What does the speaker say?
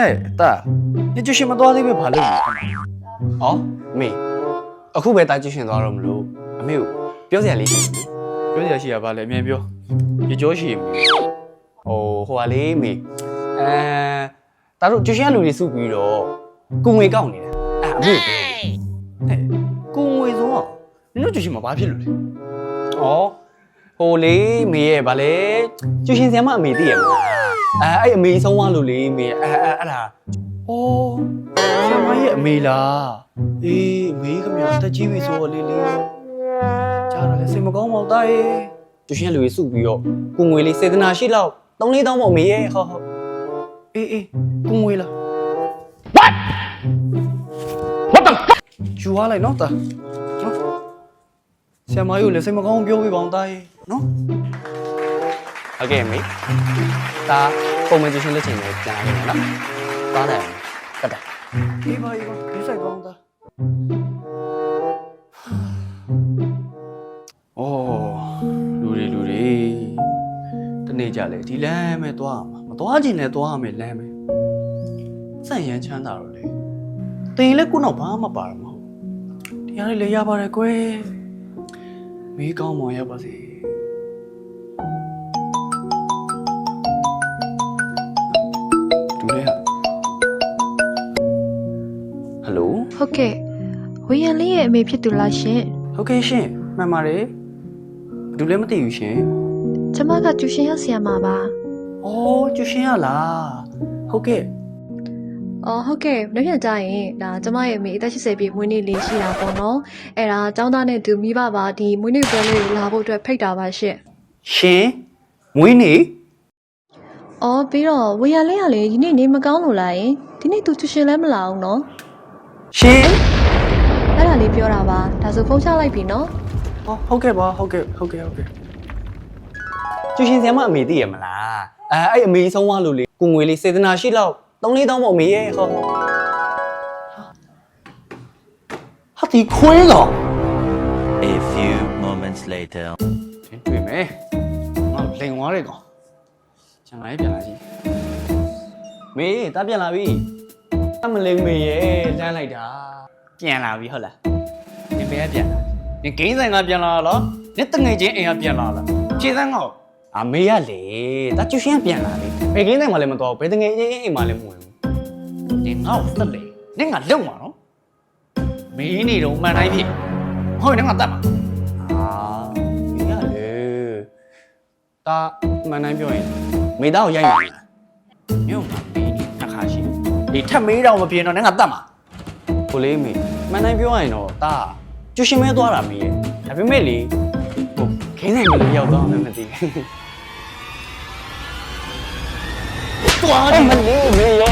大，你就什么多的别怕冷。 哦，没，အခုပဲတာကျရှင်သွားတော့မလို့အမေကိုပြောစရာလေးရှိတယ်表姐是吧？来面表，你叫什么？ ဟိုဟာလေးမေတာတို့ကျရှင်ကလူတွေစုပြီးတော့ကိုငွေကောက်နေတာအမေကို哎，公会中啊，你那就什么把皮了嘞？ ဩဟိုလေးမေရဲ့ဗာလေကျရှင်ဆရာမအမေသိရမလားအဲ့အမေဆုံးသွားလို့လေမေအဲ့ဒါ哦，什么也没啦。诶，没个苗，他几位说哩哩。家人嘞，什么讲冇得诶？ ကျရှင်ကလူတွေစုပြီးတော့ကိုငွေလေးစေတနာရှိလောက်3-4တောင်းပေါ့မေရဲ့ဟုတ်诶，公会了。What？就话来喏的，喏。什么有嘞？什么讲表会帮带喏？ ဟုတ်ကဲ့မေဒါပုံမှန်ကျရှင်လက်ချင်နဲ့ပြန်လာခဲ့မယ်နော်သွားတယ်ကတ်တယ်一把，别再讲的。哦，လူတွေတနေ့ကြလေဒီလမ်းမဲ့သွားမှာမသွားချင်လဲသွားမယ်လမ်းမဲ့စန့်ရမ်းချမ်းသာတော့လေတင်လဲကိုတော့ဘာမှပါတော့မဟုတ်တရားလေးလည်းရပါတယ်ကွယ်မီးကောင်းမောင်ရပါစေတူလေဟယ်လိုဟုတ်ကဲ့ဝေယံလေးရဲ့အမေဖြစ်သူလားရှင်ဟုတ်ကဲ့ရှင်မှန်ပါတယ်ဘယ်သူလဲမသိဘူးရှင်ကျမကကျူရှင်ရောက်ဆီယမှာပါအော်ကျူရှင်ရလားဟုတ်ကဲ့အော်ဟုတ်ကဲ့နောက်ပြန်ကြရင်ဒါကျမရဲ့အမေအသက်80ပြည့်မွေးနေ့လေးရှိတာပေါ့နော်အဲ့ဒါចောင်းသားနဲ့သူမိဘပါဒီမွေးနေ့ပွဲလေးကိုလာဖို့အတွက်ဖိတ်တာပါရှင်ရှင်မွေးနေ့အော်ပြီးတော့ဝေယံလေးကလေဒီနေ့နေမကောင်းလို့လားယင်ဒီနေ့သူကျူရှင်လည်းမလာအောင်နော်ရှင်အဲ့ဒါလေးပြောတာပါဒါဆိုဖုန်းချလိုက်ပြီနော်ဟုတ်ကဲ့ပါဟုတ်ကဲ့ကျရှင်ဆရာမအမေသိရမလားအဲ့အမေဆုံးသွားလို့လေကိုငွေလေးစေတနာရှိလောက်3-4တောင်းပေါ့မေရဲ့ဟုတ်ဟာဒီခွေးကောင် A few moments later. တွေ့မယ်ငါလိန်သွားတဲ့ကောင်ကျန်လာပြန်လာကြည့်မေတာပြန်လာပြီအမလေးမေရဲ့လမ်းလိုက်တာပြန်လာပြီဟုတ်လားနင်ဘယ်ကပြန်လာနင်ဂိမ်းဆိုင်ကပြန်လာလားနင်တငယ်ချင်းအိမ်ကပြန်လာလားခြေစမ်းကောအမေရလေတာကျရှင်ကပြန်လာပြီဘယ်ကင်းတိုင်းမှလည်းမတော်ဘယ်တငယ်ချင်းအိမ်မှလည်းမဝင်ဘူးနင်ငါ့ကိုတက်လေနင်ကလုံမှာနော်မင်းနေတော့မှန်တိုင်းဖြစ်ဟုတ်နင်ကတက်မှာမေရလေတာမှန်တိုင်းပြောရင်မေသားကိုရိုက်မှာလားညုံမှာမင်းနေနှစ်ခါရှိဒီထက်မေးတော့မပြေတော့နင်ကတက်မှာကိုလေးမေမှန်တိုင်းပြောရရင်တော့တာကျရှင်မဲသွားတာမေရဲ့ဒါပေမဲ့လေဟိုခင်းဆိုင်မလို့ရောက်တော့မှမသိဘူးသွားအဲ့မလေးမေရဲ့